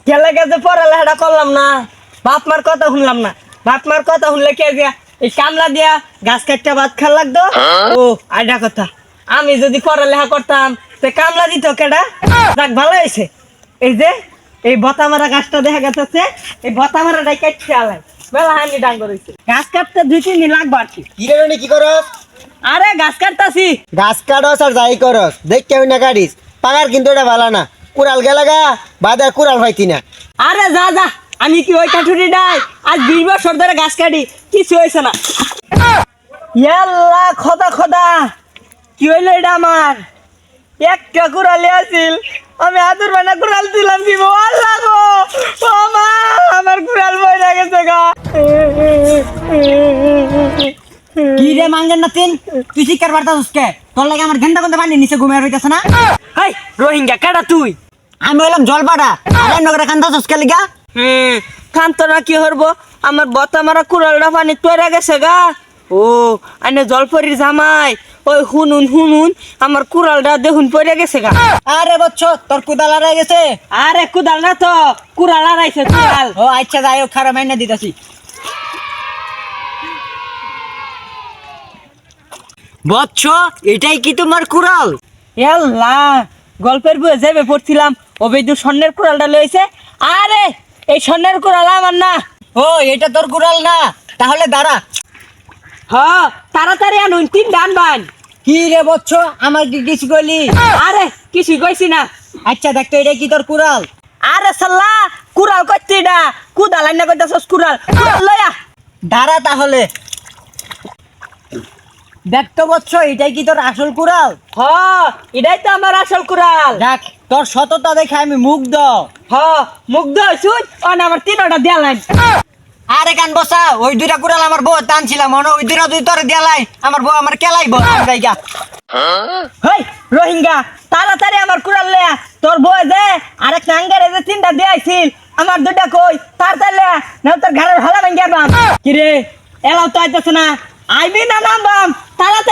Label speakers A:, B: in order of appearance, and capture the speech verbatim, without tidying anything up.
A: গেলে গেছে পড়ালেখাটা করলাম না, বাপ মার কথা শুনলাম না। বাপ মার কথা শুনলে কে দিয়া এই কামলা দিয়া গাছ কাটতে ভাত খাল লাগতো। ও আইডা কথা, আমি যদি পড়ালেখা করতাম তো কামলা দিত কেডা? যাক ভালো হয়েছে, এই যে এই বতা মারা গাছটা দেখা গেছে, এই বতা মারাটাই কাটছে আলাই বেলা হানি ডাঙ্গ রয়েছে। গাছ কাটতে দুই তিন দিন লাগবে আর কি।
B: কি রে রনি, কি করস?
A: আরে গাছ কাটতাছি।
B: গাছ কাটস আর যাই করস, দেখ কেমন না কাটিস, পাকার কিন্তু এটা ভালো না। কুড়াল গেলাগা বাদে কুড়াল পাইতি না।
A: আরে যা যা, আমি কি ওই কাঠুরি নাই? আজ বিশ বছর ধরে গাছ কাটি, কিছু হয়েছে না। ইয়াল্লা খোদা খোদা, কি হইলো এটা আমার? একটা কুড়ালি আছিল, আমি আদুর বানা কুড়াল দিলাম দিব। আল্লাহ গো, ও মা, আমার কুড়াল বইরা গেছে গা।
C: কি রে মাঙ্গেন না তিন, তুই শিকার বার্তাস কে? তোর লাগে আমার ঘন্টা ঘন্টা পানি নিচে ঘুমিয়ে রইতেছে না?
A: হাই রোহিঙ্গা কাটা তুই।
C: আমি হইলাম জলপাড়া, আরে নগরে কান্দাছস কে লিগা?
A: হুম, খান্তরা কি হরবো, আমার বতা মারা কুড়ালটা পানি তৈরা গেছে গা। ও আনে জলপরির জামাই, ওই হুনুন হুনুন আমার কুড়ালটা দেখুন পড়ে গেছে গা।
C: আরে বচ্চ, তোর কুদাল আড়াই গেছে।
A: আরে কুদাল না তো, কুড়াল আড়াইছে কুড়াল।
C: ও আচ্ছা, যাই হোক, খারাপ মাইনা দিতেছি। বচ্চ, এটাই কি তোমার কুড়াল?
A: এল্লা, গল্পের বইয়ে যাবে পড়ছিলাম, ও বেদু স্বর্ণের কুড়ালটা লইছে। আরে এই স্বর্ণের কুড়াল আমার না।
C: ও এটা তোর কুড়াল না, তাহলে দাঁড়া।
A: হ তাড়াতাড়ি আনুন, তিন ডান বান।
C: কি রে বচ্চ, আমার কি কিছু কইলি?
A: আরে কিছু কইছি না।
C: আচ্ছা দেখতো, এটা কি তোর কুড়াল?
A: আরে সাল্লা, কুড়াল করছি এটা, কুদাল আইনা কইতাছস কুড়াল, কুড়াল লয়া।
C: দাঁড়া তাহলে। দেখতো বচ্চ, এটাই কি তোর আসল কুড়াল?
A: হ এটাই তো আমার আসল কুড়াল।
C: দেখ, তোর সততা দেখে আমি মুগ্ধ।
A: হ মুগ্ধ হইছুন, অন আমার তিনটা দেয়ালাইন।
C: আরে কান বসা, ওই দুইটা কুড়াল আমার বউ টানছিলাম, মনে ওই দুইটা দুই তোর দেয়ালাই আমার বউ আমার কেলাই বউ জায়গা।
A: হেই রোহিঙ্গা, তাড়াতাড়ি আমার কুড়াল লয়া। তোর বউ যে আরেক নাঙ্গারে যে তিনটা দিয়াইছিল, আমার দুইটা কই, তাড়াতাড়ি লয়া, না তোর ঘরের ভালা ভাঙ্গি আরবাম। কি রে এলাও তো আইতাছে না, আইবি না নামবাম? তাড়াতাড়ি